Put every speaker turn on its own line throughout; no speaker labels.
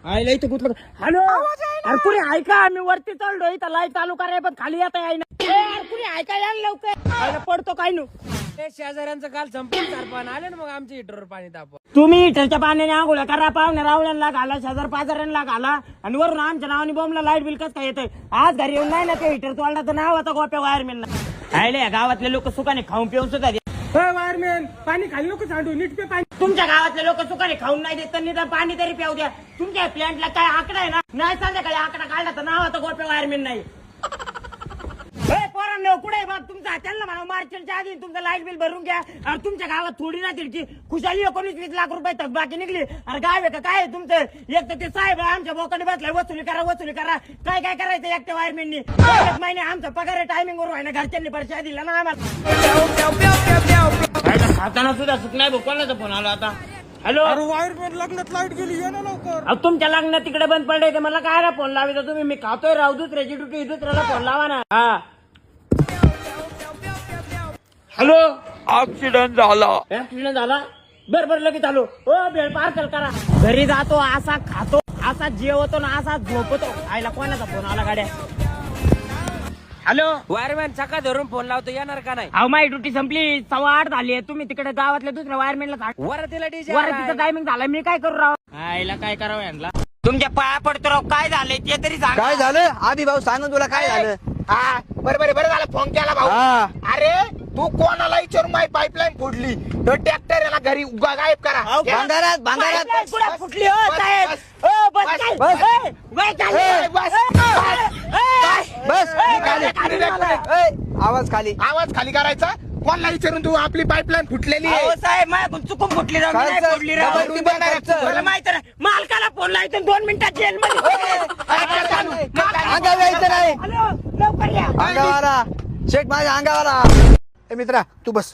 आईला इथं गुतलं. हॅलो अरे कुणी ऐका, मी वरती चढलो, इथं लाईट चालू कराय पण खाली येता आहे ना. अरे कुणी ऐकायला लवकर, आईला पडतो काय नु.
शेजाऱ्यांचं काल संपून सरपण आले ना, मग आमच्या हिटरवर पाणी तापवा.
तुम्ही हिटरच्या पाण्याने आंघोळ्या करा, पाहुण्या रावळ्यांना घाला, शेजार पाजाऱ्यांना घाला, आणि वरून आमच्या नावाने बॉम्बला लाईट बिल कसं काय येतंय. आज घरी येऊन नाही ना ते हिटर तोडला तर नाव आता गोप्या वायरमॅनला. आयले गावातले लोक सुखाने खाऊन पिऊन सुद्धा
वायरमॅन पाणी खाली नको सांडू, नीट पे पाणी.
तुमच्या गावातले लोक सुखाने खाऊन नाही देत तर निदान पाणी तरी प्याऊ द्या. तुमच्या प्लॅन्टला काय आकडा आहे ना, नाही संध्याकाळी आकडा काढला तर नाव आता गोप्या वायरमॅन नाही. पोरांनो कुठे बघ तुमचा, त्यांना म्हणा मार्चच्या आधी तुमचं लाईट बिल भरून घ्या. अरे तुमच्या गावात थोडी ना तिरकी खुशाली 19-20 लाख रुपये थकबाकी निघली. अरे गाव आहे का काय तुमचं? एक तर ते साहेब आमच्या बोकाने बसलाय, वसुली करा. काय काय करायचं एकट्या वायरमॅननी? महिने आमचा पगार टायमिंग वर व्हायना, घरच्यांनी परिचय दिला ना आम्हाला. खाताना सुद्धा सुख नाही. कोणाचा फोन आला आता? हॅलो
वायरमॅन लग्नात लाईट गेली, ये ना लवकर.
तुमच्या लग्नात तिकडे बंद पडले तर मला काय फोन लावायचा तुम्ही? मी खातोय राव, दुसऱ्याची ड्युटी दुसऱ्याला फोन लावा ना. हा हॅलो
ऍक्सिडेंट झाला.
बरं लगेच आलो. हो भेळ पार्सल करा. घरी जातो असा खातो, असा जेवतो ना, असा झोपतो. आईला कोणाचा फोन आला गाड्या? हॅलो
वायरमॅन चका धरून फोन लावतो, येणार का नाही?
अहो माझी ड्युटी संपली, 8:15 झाली. तुम्ही तिकडे गावातल्या दुसऱ्या वायरमॅनला
वरतीला डीजे
वरतीचं टायमिंग झालं, मी काय करू राव? आईला काय करावं यांना? तुमच्या पाया पडतो राव. काय झालंय ते तरी सांग.
काय झालं आधी भाऊ सांग तुला काय झालं.
हा बरं झालं फोन केला भाऊ.
हा.
अरे तू कोणाला विचारून माझी पाईपलाईन फोडली तर ट्रॅक्टर याला घरी गायब करा.
भांगारात
पाईपलाईन कुठं फुटली हो साहेब? हो बस काय?
बस.
ए, वय चालली.
ए, बस.
बस आवाज खाली.
आवाज खाली करायचा. कोणाला विचारून तू आपली पाईपलाईन फुटलेली आहे.
अहो साहेब माझ्याकडून चुकून फुटली राव, मी
काय
नाही
सर?
फोडली राव.
डबल टिबल करायचं.
मला माहिती नाही. मालकाला फोन लावायचा 2 मिनिटात जेल मध्ये.
अंगावर यायचं नाही.
हॅलो लवकर या.
अंगावाला शेट माझ्या अंगावाला. ए मित्रा तू बस.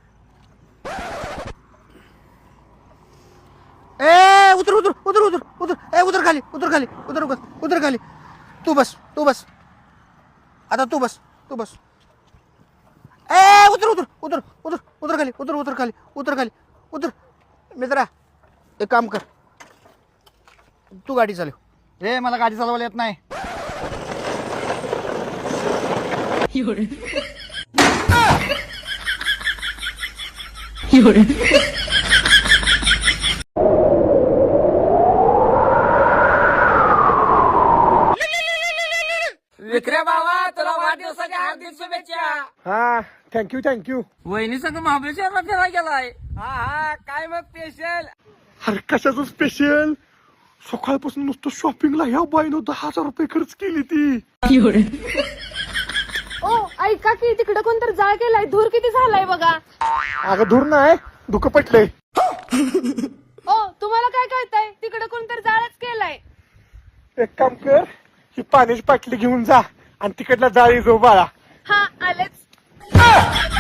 ए उतर खाली उतर खाली. तू बस आता तू बस. ए उतर खाली. मित्रा एक काम कर, तू गाडी चालव. रे मला गाडी चालवायला येत नाही.
विक्रे बाबा तुला वाढदिवसाच्या हार्दिक शुभेच्छा.
हा थँक्यू.
वहिनी संग महाबळेश्वरला फिरायला गेलाय. हा काय मग स्पेशल?
अरे कशाचं स्पेशल? सकाळपासून नुसतं शॉपिंगला ह्या बाईनं 10,000 रुपये खर्च केली ती.
ओ ऐका की तिकडे कोणतर जाळ केलाय, धूर किती झालाय बघा.
अगं धूर नाही, दुःख पटलंय.
ओ तुम्हाला काय कळतंय? तिकडे कोणतर जाळच केलाय.
एक काम कर, ही पाण्याची बाटली घेऊन जा आणि तिकडला जाळी जो बाळा.
हा आलेच.